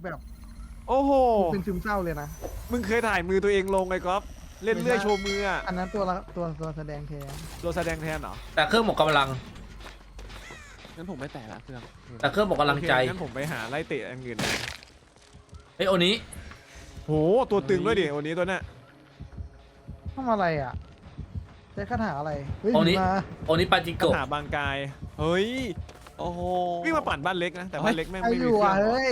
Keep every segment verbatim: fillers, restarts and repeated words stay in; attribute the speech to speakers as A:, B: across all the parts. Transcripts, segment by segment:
A: แบบ
B: โอ้โห
A: เป็นซึมเศร้าเลยนะ
B: มึงเคยถ่ายมือตัวเองลงไอ้ก๊อฟเล่นเลื่อยโชว์มืออ่ะ
A: อันนั้นตัวละตัวตัวแสดงแทน
B: ตัวแสดงแทนเหรอ
C: แต่เครื่องหมดกำลัง
B: งั้นผมไม่แตะละเครื่อง
C: แต่เครื่องหมดกำลังใจ
B: โอเคงั้นผมไปหาไล่เตะอันอื่น
C: เฮ้ยโอนี้
B: โหตัวตึงด้วยดิวันนี้ตัวเนี้ย
A: ทำอะไรอ่ะใช้คาถาอะไรเฮ้ย
C: โอนี้
A: มา
C: โอนี้ปาจิ
B: ก
C: โกะ
B: ระถาบางกายเฮ้ย
D: โอ้โห
B: วิ่งมาปั่นบ้านเล็กนะแต่บ้านเล็กแม่ง
A: ใคร
B: ไม่
A: อ
B: มี
A: ยู่
B: เครื่
A: อ่ะ
B: อง
A: เฮ้ย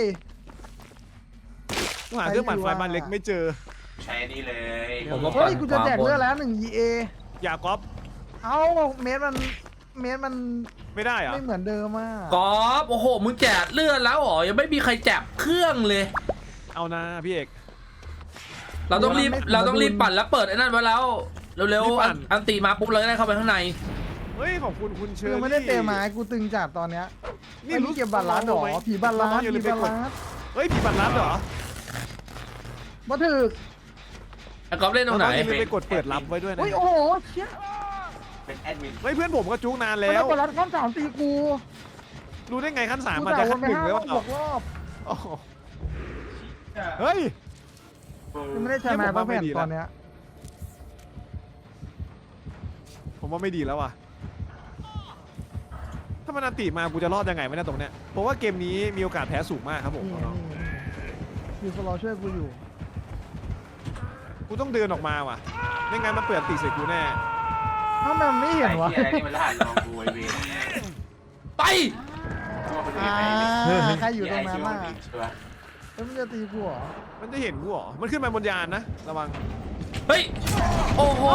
B: กูหาเครื่องปั่นไฟบ้านเล็กไม่เจอ
E: ใช้นี่เลย
C: ผมก็
A: เฮ้
C: ปั่น
A: ยกูจะแจกเลือดแล้วหนึ่ง อี เอ
B: อย่าก๊อฟ
A: เอ้าเมตรมันเมตรมัน
B: ไม่ได้เหรอ
A: ไม่เหมือนเดิมอ่ะ
C: กอล์ฟโอ้โหมึงแจกเลือดแล้วเหรอยังไม่มีใครแจกเครื่องเลย
B: เอานะพี่เอก
C: เราต้องรีบเราต้องรีบปั่นแล้วเปิดไอ้นั่นไว้แล้วเร็วๆอันอันตีมาปุ๊บเราจะได้เข้าไปข้างใน
B: เฮ้ยขอบคุณคุณเชิ
A: คือ
B: ญ
A: ไม่ได้เตะไม้กูตึงจัดตอนเนี้ยนี่รู้เก็บบัตรร้านหรอผีบัตรร้านผีบัตรร้าน
B: เฮ้ยผีบัตรลับเหรอ
A: มาถึก
C: ไอ้กอล์ฟเล่นตรงไหน
B: อย่าลืมไปกดเปิดรับไว้ด้วยนะ
A: เฮ้ยโอ้โหเชี่ย
E: เป็นแอดมิน
B: เฮ้ยเพื่อนผมก็จุกนาน
A: แล้
B: แล้ว ว
A: กดรัดข้ามสามตีกู
B: รู้ได้ไงขั้นสาม
A: กู
B: มัน
A: ด่า
B: จะ
A: ว
B: ขั้
A: น
B: น
A: ไป
B: หนึ่ง
A: ห้า
B: แล้ว
A: รอบหกรอบ
B: โอ้โหเฮ้ย
A: ยังไม่ได้ใช้ไม้ป้าแผ่นตอนเนี้ย
B: ผมว่าไม่ดีแล้วว่ะถ้ามันอันติมากูจะรอดยังไงไม่ได้ตรงเนี้ยเพราะว่าเกมนี้มีโอกาสแพ้สูงมากครับผม
A: นี่ไงนี่ไงอยู่สโลช่วยกูอยู่
B: กูต้องเดินออกมาว่ะไม่งั้นมันเปิดอันติใส่กูแน่
A: ทำไมมันไม่เห็นวะ
E: ไอ้ที่อะไรนี่มันรหัสลองดูไอเวน
C: ไป
A: อ่าใครอยู่ตรงนั้นน่ะ
E: ชัวร์
A: แล้วมันจะตีกูเหรอ
B: มันจะเห็นกูเหรอมันขึ้นมาบนยานนะระวัง
C: เฮ้ยโอ้โห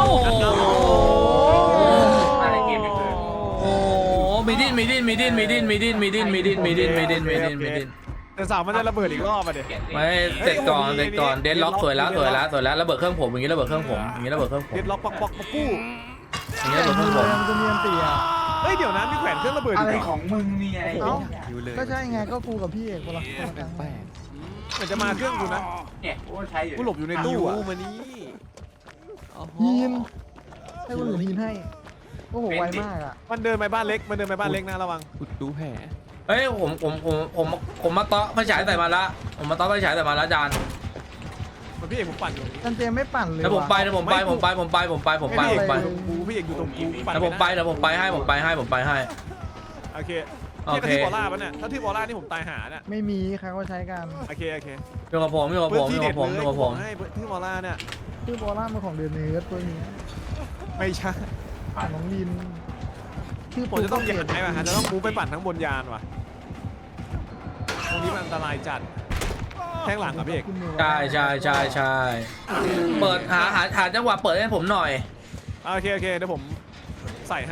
E: อะไรเกมไม่เคย
C: โอ้มีดิ้นมีดิ้นมีดิ้นมีดิ้นมีดิ้นมีดิ้นมีดิ้นมีดิ้นมีดิ้นมีดิ้นมีดิ้น
B: แต่เสามันจะระเบิดอีกรอบอ่ะเด็ก
C: ไม่เสร็จก่อนเสร็จก่อนเดนล็อกสวยแล้วสวยแล้วสวยแล้วระเบิดเครื่องผมอย่างนี้ระเบิดเครื่องผมอย่างนี้ระเบิดเครื่องผม
B: เด็ดล็อกปอกปอกปอกกู้
C: อย่างนี้ระเบิดเครื่องผม
A: มันจะมีอันตีอ่ะ
B: เฮ้ยเดี๋ยวนะมีแขวนเครื่องระเบิดอี
E: อะ
B: ก
E: ไร
B: เหรอ
E: ของมึงเนี่ย
A: เอ้า
D: อยู่เลย
A: ก็ใช่ไงก็กูกับพี่เอกคนละคนละครั้ง
D: แปลก
B: เหมือนจะมาเครื่องกูนะ
E: เนี่ยกูใช้อยู่
B: กูหลบอยู่ใน
D: ๆ
B: ตู้
D: ยู
B: อ่ะ
D: มานี่โอ้โห
A: ยีนให้คนอื่นยีนให้โอ้โหไวมากอ่ะ
B: มันเดินไปบ้านเล็กมันเดินไปบ้านเล็กนะระวัง
D: อุดดูแผล
C: เฮ้ยผมผมผมผมผมมาเตาะไฟฉายใส่มาละผมมาเตาะไฟฉายใส่มาละจาน
B: มันพี่เอกผมปั่นอยู่
A: จันเจมไม่ปั่นเลย
C: แล้วผมไปแล้วผมไปผมไปผมไปผมไปผมไปผมไป
B: กูพี่เอกอยู่ตรงกูปั่น
C: แล้วผมไปแล้วผมไปให้ผมไปให้ผมไปให้
B: โอเค
C: โอ
B: ที่
C: เค
B: ที่บอลล่าปะเนี่ยถ้าที่บอลล่านี่ผมตายหาเนี่ย
A: ไม่มีใครเขาใช้กัน
B: โอเคโอเค
C: อยู่กับผมอยู่กับ
B: พื้
C: ผ
B: น
C: มอ
B: ที่
C: ยู่
B: เด็
C: กั
B: ด
C: บผม
B: เล
C: อย ยู่กับผม
B: ให้ที่บอลล่าเนี่ย
A: ชื่อบอลล่ามันของเดือนเนื้อตัวนี้
B: ไม่ใช่
A: ของน้องลินชื่อ
B: ผมจะต้อง
A: เปลี่
B: ย้ายว่ะฮะจะต้องมูฟไปปั่นทั้งบนยานว่ะตรงนี้มันอันตรายจัดแทงหลังอ่ะพี่เอก
A: ขึ้นมือไว้
C: ใช่ใช่ใช่ใช่เปิดหาหาหาจังหวะเปิดให้ผมหน่อย
B: โอเคโอเคเดี๋ยวผมใส่ให้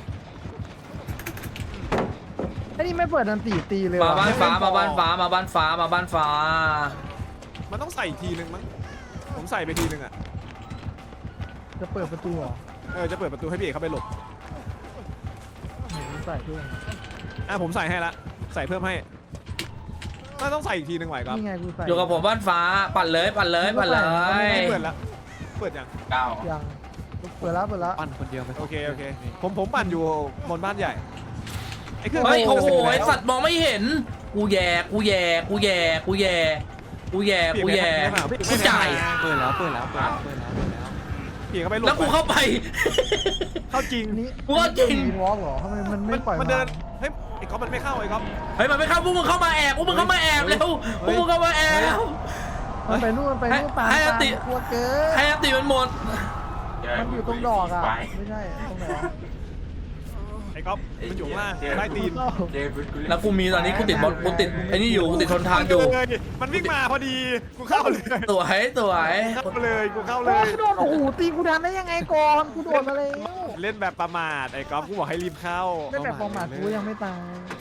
A: ไอ้นี่ไม่เปิดดันตีตีเลย
C: มา
A: ว่ะ
C: บ้านฟ้ามาบ้านฟ้ามาบ้านฟ้ามาบ้านฟ้า
B: มันต้องใส่อีกทีนึงมั้งผมใส่ไปทีนึงอ่ะ
A: จะเปิดประตูเหรอ
B: เออจะเปิดประตูให้พี่เอกเข้าไปหลบ
A: โหใส่ด้วย
B: อ่ะผมใส่ให้ละใส่เพิ่มให้น่าต้องใส่อีกทีนึงไหวครับ
A: นี่ไงกูใส่
C: อยู่กับผมบ้านฟ้าปั่นเลยปั่นเลยปั่นเลย
B: ไม่เปิดละเปิดยัง
E: เก้า
A: ยังเปิดแล้วเปิดแล้ว
D: ปั้นคนเดียวไป
B: โอเคโอเคผมผมปั่นอยู่บนบ้านใหญ่ไอ้เครื่อง
C: เฮ้ยโอ้โห
B: มันจะ
C: ไอ
B: เสร็จแล้ว
C: สัตว์มองไม่เห็นกูแย่กูแย่กูแย่กูแย่กูแย่กูแย่กูจ่าย
D: เปิดแล้วเปิดแล้วเปิดแล้วเปิดแล้วเปิดแล้ว
B: พี่เอกเข้าไปหลบ
C: แล้วกูเข้าไป
B: เข้าจริง
A: อันนี้
C: กูว่าจริง
A: มีวอล์กเหรอทำไมมันไม่ปล่อย
B: มันเดินเฮ้ยไอ้ก๊อฟมันไม่เข้าไอ้ก๊อฟ
C: เฮ้ยมันไม่เข้าพวกมึงเข้ามาแอบพวกมึงเข้ามาแอบเร็วพวกมึงเข้ามาแอบ
A: มันไปนู่นมันไปนู่นปา
C: ให้อติ
A: กลัวเกิน
C: ให้อติมันหมด
A: มันอยู่ตรงดอกอ่ะไม่ใช่ตรงไหนวะ
B: ไอ้ก๊อฟมันอยู่ข้างล่างใต้ตีน
E: เดวิดกู
C: แล้วกูมีตอนนี้กูติดบอลกูติดไอ้นี่อยู่กูติดทนทานอยู่
B: เลยมันวิ่งมาพอดีกูเข้าเลย
C: สวยสวย
B: เข้าเลยกูเข้าเล
A: โอ้
B: ย
A: กูโดนโอ้โหตีกูทันได้ยังไงก่อนกูโดนมาแล้ว
B: เล่นแบบประมาทไอ้ก๊อฟกูบอกให้รีบเข้า
A: ไม่แบบประมาทกูยังไม่ตาย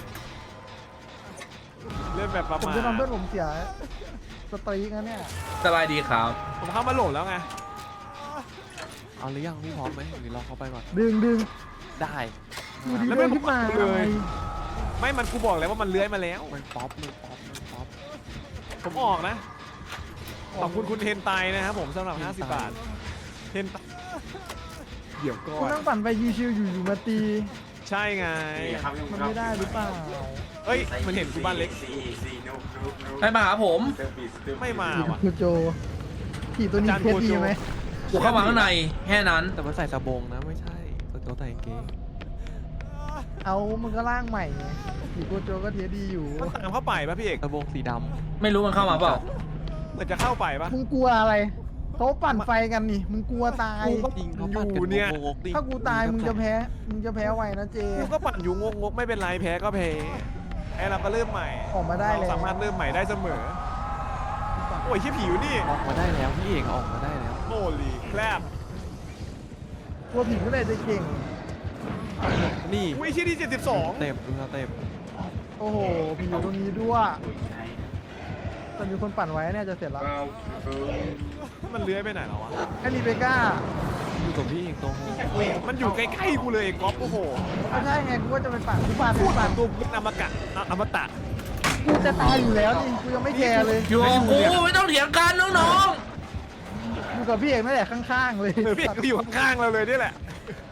B: เล่นแบบประ
A: ผม
B: มาท
A: จะทำเพื่อนผมเสียสตรีกันเนี่ย
C: สบายดีครับ
B: ผมเข้ามาโหลดแล้วไง
D: เอาหรือยังพี่พร้อมไหมหรือรอเขาไปก่อน
A: ดึงดึง
D: ได้
A: ดูดีเลยขึ้นมาเลย
B: ไม่มันกูบอกแล้วว่ามันเลื้อยมาแล้ว
D: มันป๊อปมันป๊อปมันป๊อป
B: ผมออกนะขอบคุณคุณเทนไตนะครับผมสำหรับห้าสิบบาทเทนไตเดี๋ยวก่อ
A: กู
B: น
A: นั่งปั่นไปยูชิวอยู่อยู่มาตี
B: ใช่ไง
E: นี่ครับ
A: มันไม่ได้หรือเปล่า
B: เฮ้ยมันเห็นกูบ้านเล็ก
E: ซีซีนุกนุกนุก
C: ให้มาหาผม
E: เติมปีเติ
B: ไม่มา
A: ผี
B: ว่ะ
A: โกโจผีตัวนี้
B: อาจารย์
A: เทส
B: โกโจ
A: ดีไหม
C: กูเข้ามาข้างในแค่นั้น
D: แต่มันใส่สบงนะไม่ใช่ตัวโจใส่กางเกง
A: เอามันก็ร่างใหม่ไงผีโกโจก็เทสดีอยู่
B: มันตามเข้าไปป่ะพี่เอก
D: สบงสีด
C: ไม่รู้มันเข้ามาเปล่า
B: เหมือนจะเข้าไปป่ะ
A: มึงกลัวอะไรเขาปั่นไฟกันนี่มึงกลัวตาย
D: ำจริงเขาปัด
B: อยู่
D: กัน
B: เนี่ย
D: งกๆดิ
A: ถ้ากูตายมึงจะแพ้มึงจะแพ้ไวนะเจ
B: กูก็ปั่นอยู่งกงกๆไม่เป็นไรแพ้ก็แพ้แพ้เราก็เริ่มใหม่
A: ออกมาได้
B: เรา
A: แล้ว
B: สามารถเริ่มใหม่ได้เสมอโอ้ยขี้ผิวนี่
D: ออกมาได้แล้วพี่เอกออกมาได้แล้ว
B: โอ้ลีแคลบ
A: กลัวผีก็เลยจะเก่ง
D: นี่
B: อุ้ยที่ที่เจ็ดสิบสอง
D: เต็มดูสเต็ป
A: โอ้โหผีอยู่ตรงนี้ด้วยแต่มีคนปั่นไว้เนี่ยจะเสร็จแล้ว
B: มันเลื้อยไปไหนแล้ววะ
A: ไอ้รีเบก้า
D: อยู่กับพี่เอกตัวโห
B: มันอยู่ใกล้ๆกูเลยไอ้ก๊อฟโอ้โห
A: ไม่ใช่ไงกูก็จะไปปั่นกูปั่นกู
B: พูด
A: ปั่น
B: ตัวพุทธอมกะอ่ะอมตะ
A: กูจะตายอยู่แล้วนี่กูยังไม่แคร์เลย
C: อยู่กับกูไม่ต้องเถียงกันน้อง
A: อยู่กับพี่เอกนั่นแหละข้างๆเลย
B: เออพี่เอกก็อยู่ข้างๆเราเลยนี่แหละ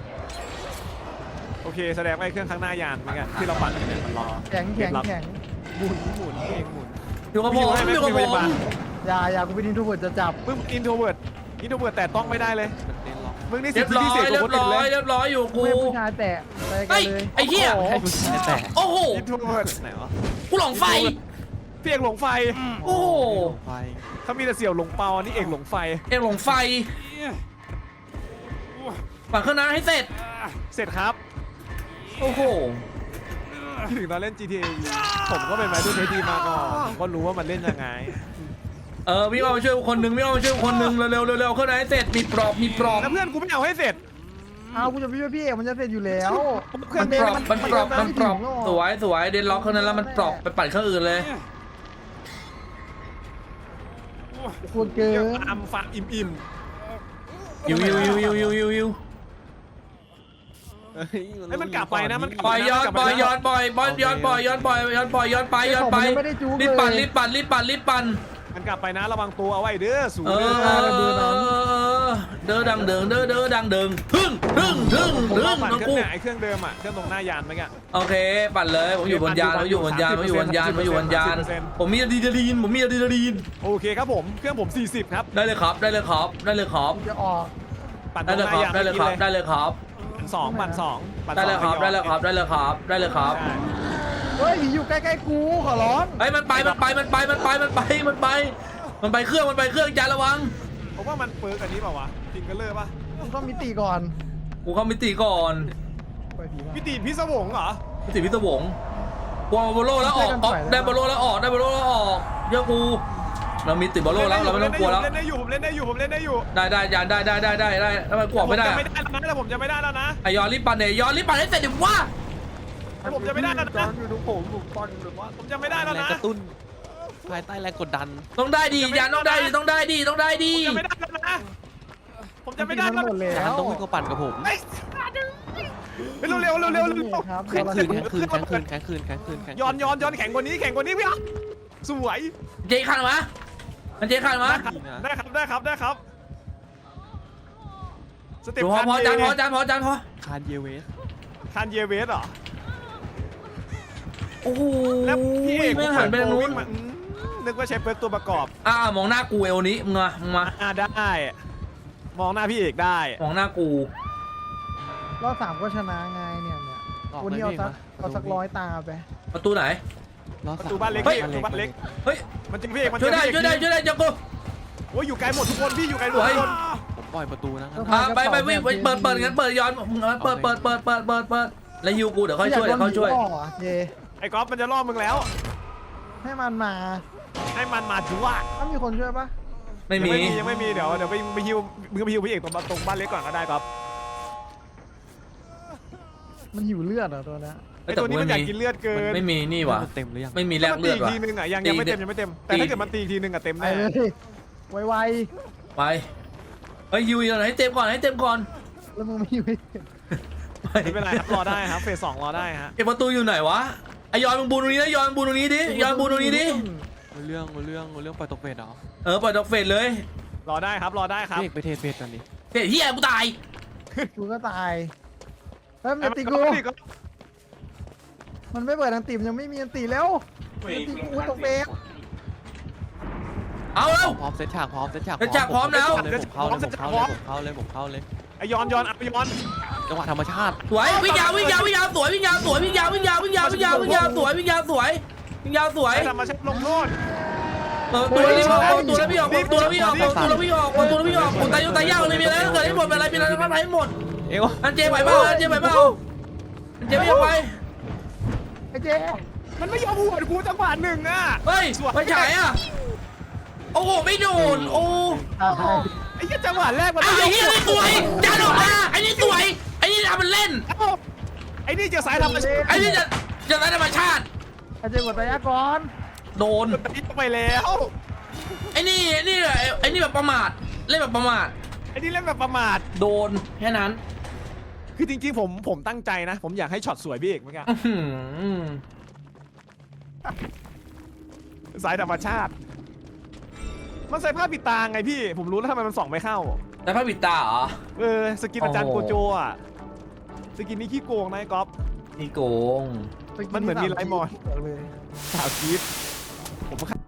B: โอเคแสดงว่าไอ้เครื่องข้างหน้ายานเหมือนกันที่เราปั่นกันเนี่ยมันรอ
A: แข็งแข็งแข็ง
B: หมุนหมุนพี่เอกหมุน
C: ๆอยู่กับผมอยู่กับผม
A: อย่าอย่ากูไปดินทูเวิร์ดจะจับ
B: มึงอินโทรเวิร์ดอินโทรเวิร์ดแต่ต้องไม่ได้เลย
D: มันเต้นล็อก
B: มึงนี่
C: เรี
B: สิ
C: ย
B: บบ
C: ร้อ
B: พิเศษ
C: ย
B: ก
C: เรีย
B: ว่า
C: บ
B: คนอื่
C: ร้
B: น
C: อย
B: เลย
C: เรียบร้อยอยู่
A: กู
C: กู
A: ให้ผู้ชายแตะอะไรกัน
C: เฮ้ย
A: เลย
C: ไอ้เหี้ย
A: โโ
D: ให้ผู้ชายแต่
C: โอ้โห
B: อินโทรเวิร์ด
D: ไหนวะ
C: กูหลงไฟ
B: พี่เอกหลงไฟ
C: โอ้โห
D: ไฟ
B: เขามีแต่เสี่ยวหลงเปาอันนี้เอกหลงไฟ
C: เอ็งหลงไฟปั่นเครื่องนั้นให้เสร็จ
B: เสร็จครับ
C: โอ้โห
B: คิดถึงตอนเล่น จี ที เอ ผมก็เป็นไมดูเทสดีมาก่อนผมก็รู้ว่ามันเล่นยังไง
C: เออวิ่งเอามาช่วยคนหนึ่งวิ่งเอามาช่วยคนหนึ่งเร็วๆเร็วๆเครื่องนั้นให้เสร็จมีปลอบมีปลอบ
B: แล้วเพื่อนกูไม่เอาให้เสร็จ
A: เอากูจะไปช่วยพี่เอกมันจะเสร็จอยู่แล้ว
B: เครื่
C: มั
B: อง
C: น
B: เด
C: ป
B: น
C: ลอบ
B: มัน
C: มันปลอบมันปลอบสวยสวยเดนล็อกเครื่องนั้นแล้วมันปลอบไปปั่นเครื่องอื่นเลย
A: ควรเกิ
B: เดี๋ย
A: น
B: วอัมฟังอิ่มอิ่ม
C: ยิวยิวยิวยิวยิวยิวยิว
B: ให้มันกลับไปนะมัน
C: ปล่อยย้อนปล่อยย้อนปล่อยบอลย้อนปล่อยย้อนปล่อยย้อนปล่อยย้อนไปย้อนไปรีบปั่นรีบปั่นรีบปั่นรีบปั่น
B: มันกลับไปนะระวังตัวเอาไว้เด้อสู
C: เอ
B: เด้อ
C: อเด้อดังเดิงเด้อเด้อดังเดิงฮึ่งฮึ่งฮึ่ง
B: ผม
C: ฮึ่
B: ว่าง ปั่น
C: น้อง
B: เครื่
C: กู
B: องไหนไอ้เครื่องเดิมอ่ะเครื่องตรงหน้ายานเมื่อกี้
C: โอเคปั่นเลยผมอยู่บนยานผมอยู่บนยานผมอยู่บนยานผมอยู่บนยานผมมีอะดรีนาลีนผมมีอะดรีนาลีน
B: โอเคครับผมเครื่องผมสี่สิบครับ
C: ได้เลยครับได้เลยครับได้เลยครับ
A: จะออก
B: ปั่นต
C: ได้
B: รง
C: เลย
B: ห
C: ค
B: น้า
C: รับ
B: ยาน
C: ได้เลยครับ
B: มื่อกี้
C: ได้เลยครับ
B: ปั่นสองปั่นสองปั่นส
C: ได้
B: อง
C: เลยครับได้เลยครับได้เลยครับได้เลยครับ
B: ใช่
A: เฮ้ยผีอยู่ใกล้ๆกูขอร้อง
C: ไอ้มันไปมันไปมันไปมันไปมันไปมันไปมันไปเครื่องมันไปเครื่องจานระวัง
B: ผมว่ามันเปิร์กอันนี้เปล่าวะพิงเกอร์เลอร์ป่ะ
A: มึงต้องมิติก่อน
C: กูเข้ามิติก่อน
A: ไปผีมา
B: พิตีพิศวงเหรอ
C: มิติพิศวงกลัวบอลโลแล้วออกออกได้บอลโลแล้วออกได้บอลโลแล้วออกเยอะกูเรามีติดบอลโลแล้วเราไม่ต้องกลัวแล้ว
B: เล่นได้อยู่ผมเล่นได้อยู่ผมเล่นได้อยู่
C: ได้ได้ยานได้ได้ได้ได้ได้แล้วมันกลัวไม่ได้
B: ผมจะไม่ได้แล้วนะแต่ผมจะไม่ได้แล้วนะ
C: ไอยอนรีบปั่นเนี่ยยอนรีบปั่นให้เสร็จดิว่า
B: แต่ผมจะไม่ได้แล้ว
D: จอ
B: นะ
D: นอยู่ตรงผมผมตอนหรือว่า
B: ผมจะไม่ได้แล้ว
D: แรง
B: นะ
D: กระตุ้นภายใต้แรงกดดัน
C: ต้องได้ดียานต้องได้ดีต้องได้ดีต้องได้ดี
B: ผมจะไม่ได้แล้วนะผมจะไม่ได้
A: มัน
B: แล้ว
A: หมดแล้
D: จาน
A: ว
D: ต้องวิ่งเข้าปั่นกับผม
B: เฮ้ยเร็วเร็วเร็วเร็วเร็ว
A: ครับ
D: แข็งคืนแข็งคืนแข็งคืนแข็งคืนแข็งคืนแข็งคืน
B: ย้อนย้อนย้อนแข็งกว่านี้แข็งกว่านี้พี่อ่ะสวย
C: เจคันวะมันเจคันวะ
B: ได้ครับได้ครับได้ครับสเต็ป
C: พอพอจานพอจานพอจานพอ
D: คานเยเวส
B: คานเยเวสเหรอ
C: โอ้โห
B: แล้วพี่เอก
C: ไม่หันไปทางนู้น
B: อืมนึกว่าใช้เปิร์กตัวประกอบ
C: อ่ามองหน้ากูเอวนี้มึงมามึงมา
B: อ่าได้ มองหน้าพี่เอกได้
C: มองหน้ากู
A: รอบสามก็ชนะไงเนี่ยเนี่ย
D: ออก
A: วัน
D: ไหม
A: นี้เอา
D: พี่
A: สัก
D: มา
A: เอาสักร้อยตาไป
C: ประตูไหน
D: รอ
B: ประ
D: สาม
B: ตูบ้านเล็ก
C: เฮ้ย
B: พี่ประตูบ้านเล็ก
C: เฮ้ย
B: มันจริงพี่เอกมัน
C: ช่วยได้
B: จริง
C: ช่วยได้ช่วยได้จังกู
B: โอ้ยอยู่ไกลหมดทุกคนพี่อยู่ไกลหมดทุกคน
D: ผมปล่อยประตูนะครับ
C: อ่าไปไปวิ่งไปเปิดเปิดงั้นเปิดย้อนมึงเปิดเปิดเปิดเปิดเปิดเปิดแล้วฮิวกูเดี๋ยวค่อยช่วยเดี๋ยวค่อยช่วย
A: อากโดนผีล่อเจ
B: ไอ้ก๊อฟมันจะล่อมึงแล้ว
A: ให้มันมา
B: ให้มันมาถือว่า
A: ถ้ามีคนช่วยปะ
C: ไม่มี
B: ยังไม่มีเดี๋ยวเดี๋ยวไปไปฮิวมึงก็ไปฮิวพี่เอกตรงตรงบ้านเล็กก่อนก็ได้ก๊อฟ
A: มันหิวเลือดเหรอตัวเนี้ย
B: ไอ้ตัวนี้มันอยากกินเลือดเกิ
C: มัน
B: น
C: ไม่มีนี่ว่ะ
D: มันเต็มหรือยัง
C: ไม่มีแลก
B: มัน
C: เลื
B: ตี
C: อด
B: อีก
C: ว่ะ
B: ทีนึงอ่ะยังยังไม่เต็มยังไม่เต็มแต่ถ้าเกิดมันตีอีกทีนึงอ่ะเต็ม
A: ไป
B: แน่
A: เลยไว
C: ไปเฮ้ยฮิวอยู่ไหนให้เต็มก่อนให้เต็มก่อน
A: ๆแล้วมึงไม่หิว
C: ไป
B: ไม่เป็นไรครับรอได้ครับเฟสสองรอได้ฮะ
C: ไอประตูอยู่ไหนวะไอยอนมึงบูนตรงนี้นะยอนบูนตรงนี้ดิยอนบูนตรงนี้ดิ
D: รู้เรื่องรู้เรื่องรู้เรื่องปล่อยตกเฟสเหรอ
C: เออปล่อยดอกเฟสเลย
B: รอได้ครับรอได้ครับ
D: พี่เอกไปเทเฟสกันดิ
C: เฮ้ยเฮียกูตาย
A: กูก็ตายเฮ้ยมัน
B: ไอ้
A: จะตี
B: มัน
A: กู
B: ก็พี่ก็
A: มันไม่เปิดอันติมยังไม่มีอันติแล้วอันติกูตกเบรก
C: เอาแล้ว
D: พร้อมเซตฉากพร้อมเซตฉาก
C: เซตฉากพร้อมแล้ว
D: เลยผมเข้าเลยผมเข้าเลยผมเข้าเลยผมเข้าเลย
B: ไอยอนยอนอ่ะยอน
D: จังหวะธรรมชาติ
C: สวยวิ่งยาววิ่งยาววิ่งยาวสวยวิ่งยาวสวยวิ่งยาววิ่งยาววิ่งยาววิ่งยาววิ่งยาวสวยวิ่งยาวสวยวิ่งยาวสวย
B: ไอธรรมชาติลงโทษ
C: เออตัวนี้ออกตัวแล้วพี่ออกตัวแล้วพี่ออกตัวแล้วพี่ออกตัวแล้วพี่ออกคนตายอยู่ตายยากเลยมีอะไรเกิดให้หมดเป็นอะไรเป็นอะไรก็ให้หมด
D: เอ้ว
C: อันเจไหวเปล่าอันเจไหวเปล่าอันเจไม่ยอมไป
A: ไอ้เจ๊
B: มันไม่ยอมหัวกูจังหวะหนึ่งอ่ะ
C: เฮ้ยไม่ฉายอ่ะโอ้โหไม่โดนโอ้
B: ไอ้เหี้ยจังหวะแรกมัน
C: ไอ้เหี้ยนี่สวยยันออกมาไอ้นี่สวยไอ้นี่ทำมันเล่น
B: เอ้าไอ้นี่เจะสายธรรมชาติ
C: ไอ้นี่จะจะได้ธรรมชาติ
A: ไอ้เจ๊กดตายก่อน
C: โดน
B: มันติดไปแล้ว
C: ไอ้นี่นี่ไอ้นี่แบบประมาทเล่นแบบประมาท
B: ไอ้นี่เล่นแบบประมาท
C: โดนแค่นั้น
B: คือจริงๆผมผมตั้งใจนะ ผมอยากให้ช็อตสวยพี่เอกเหมือนกัน
C: อื้อหือ
B: สายธรรมชาติ มันใส่ผ้าปิดตาไงพี่ ผมรู้แล้วทำไมมันส่องไม่เข้า
C: แล้วพระบิดตาเหรอ
B: เออสกินอาจารย์
C: โอ้
B: โก
C: โห
B: โจอ่ะสกินนี้ขี้โกงนะไอ้ก๊อฟ
C: นี่โกง
B: มันเหมือนมีไลฟ์มอน
A: เลย
B: สาวกีฟผม